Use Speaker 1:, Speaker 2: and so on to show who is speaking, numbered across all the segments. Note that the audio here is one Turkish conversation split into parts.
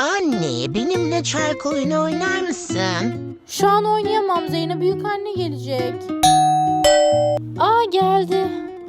Speaker 1: Anne, benimle çark oyunu oynar mısın?
Speaker 2: Şu an oynayamam, Zeynep büyükanne gelecek. Aa, geldi.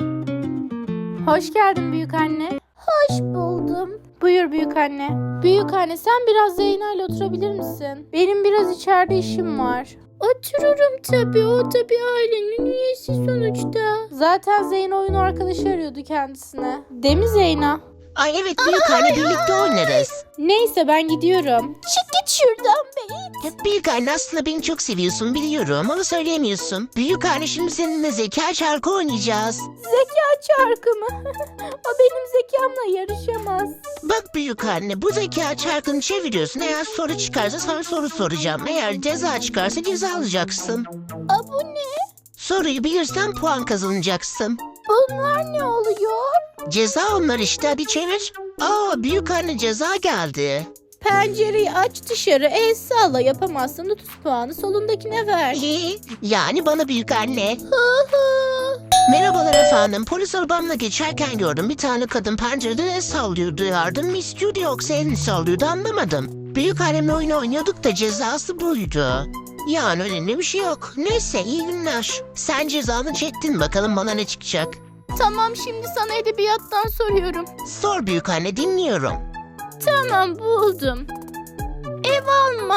Speaker 2: Hoş geldin büyükanne. Hoş buldum. Buyur büyükanne. Büyükanne, sen biraz Zeyna ile oturabilir misin? Benim biraz içeride işim var. Otururum tabii, o tabii ailenin üyesi sonuçta. Zaten Zeyna oyun arkadaşı arıyordu kendisine. Değil mi Zeyna?
Speaker 1: Ay evet büyükanne, birlikte oynarız.
Speaker 2: Neyse, ben gidiyorum. Çık git şuradan be.
Speaker 1: Büyükanne, aslında beni çok seviyorsun biliyorum ama söyleyemiyorsun. Büyükanne, şimdi seninle zeka çarkı oynayacağız.
Speaker 2: Zeka çarkı mı? O benim zekamla yarışamaz.
Speaker 1: Bak büyükanne, bu zeka çarkını çeviriyorsun. Eğer soru çıkarsa sana soru soracağım. Eğer ceza çıkarsa ceza alacaksın.
Speaker 2: Aa, bu ne?
Speaker 1: Soruyu bilirsen puan kazanacaksın.
Speaker 2: Bunlar ne oluyor?
Speaker 1: Ceza onlar işte, hadi çevir. Büyükanne, ceza geldi.
Speaker 2: Pencereyi aç, dışarı el salla, yapamazsan 30 puanı solundakine ver.
Speaker 1: Yani bana büyükanne.
Speaker 2: Hı hı.
Speaker 1: Merhabalar efendim. Polis arabamla geçerken gördüm. Bir tane kadın pencereden el sallıyordu. Yardım mı istiyordu yoksa elini sallıyordu, anlamadım. Büyükannemle oyun oynuyorduk da cezası buydu. Yani önemli bir şey yok. Neyse, iyi günler. Sen cezanı çektin, bakalım bana ne çıkacak.
Speaker 2: Tamam, şimdi sana edebiyattan soruyorum.
Speaker 1: Sor büyükanne, dinliyorum.
Speaker 2: Tamam, buldum. Ev alma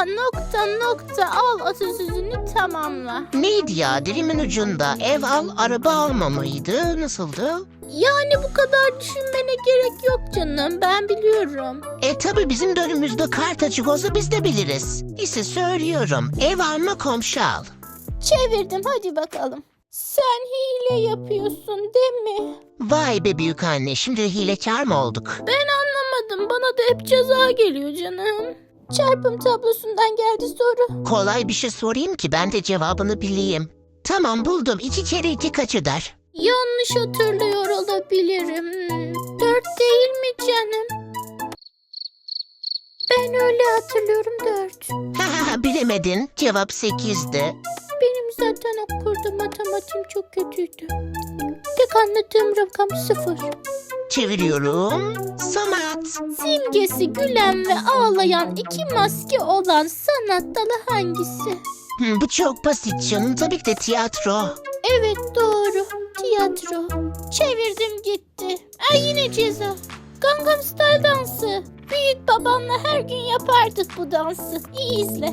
Speaker 2: al atasözünü tamamla.
Speaker 1: Neydi ya, dilimin ucunda? Ev al, araba alma mıydı? Nasıldı?
Speaker 2: Yani bu kadar düşünmene gerek yok canım, ben biliyorum.
Speaker 1: Tabi bizim de önümüzde kart açık olsa biz de biliriz. İşte söylüyorum. Ev alma, komşu al.
Speaker 2: Çevirdim, hadi bakalım. Sen hile yapıyorsun değil mi?
Speaker 1: Vay be büyükanne, şimdi hilekâr mı olduk?
Speaker 2: Ben anlamadım, bana da hep ceza geliyor canım. Çarpım tablosundan geldi soru.
Speaker 1: Kolay bir şey sorayım ki ben de cevabını bileyim. Tamam, buldum. 2 kere 2 kaç eder?
Speaker 2: Yanlış hatırlıyor olabilirim. 4 değil mi canım? Ben öyle hatırlıyorum, 4.
Speaker 1: Bilemedin. Cevap 8'di.
Speaker 2: Benim zaten okurdu, matematiğim çok kötüydü. Tek anladığım rakam 0.
Speaker 1: Çeviriyorum. Sanat.
Speaker 2: Simgesi gülen ve ağlayan 2 maske olan sanat dalı hangisi?
Speaker 1: Bu çok basit canım. Tabii ki de tiyatro.
Speaker 2: Evet, doğru. Tiyatro. Çevirdim gitti. Yine ceza. Gangnam Style dansı. Büyük babamla her gün yapardık bu dansı. İyi izle.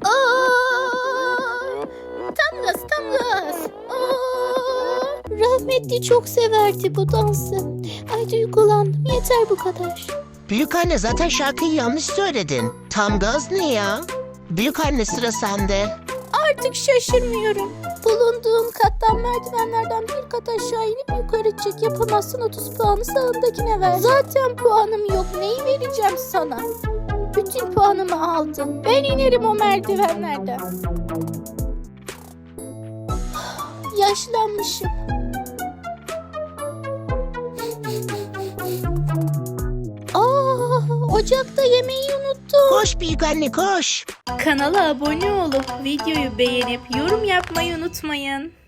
Speaker 2: Tam gaz, tam gaz. Rahmetli çok severdi bu dansı. Ay, duygulandım. Yeter bu kadar.
Speaker 1: Büyükanne, zaten şarkıyı yanlış söyledin. Tam gaz ne ya? Büyükanne, sıra sende.
Speaker 2: Artık şaşırmıyorum. Bulunduğum kattan merdivenlerden bir kat aşağı inip yukarı çık. Yapamazsın, 30 puanı sağındakine ver. Zaten puanım yok. Neyi vereceğim sana? Bütün puanımı aldın. Ben inerim o merdivenlerden. Yaşlanmışım. Ocakta yemeği unuttum.
Speaker 1: Koş büyükanne, koş.
Speaker 2: Kanala abone olup videoyu beğenip yorum yapmayı unutmayın.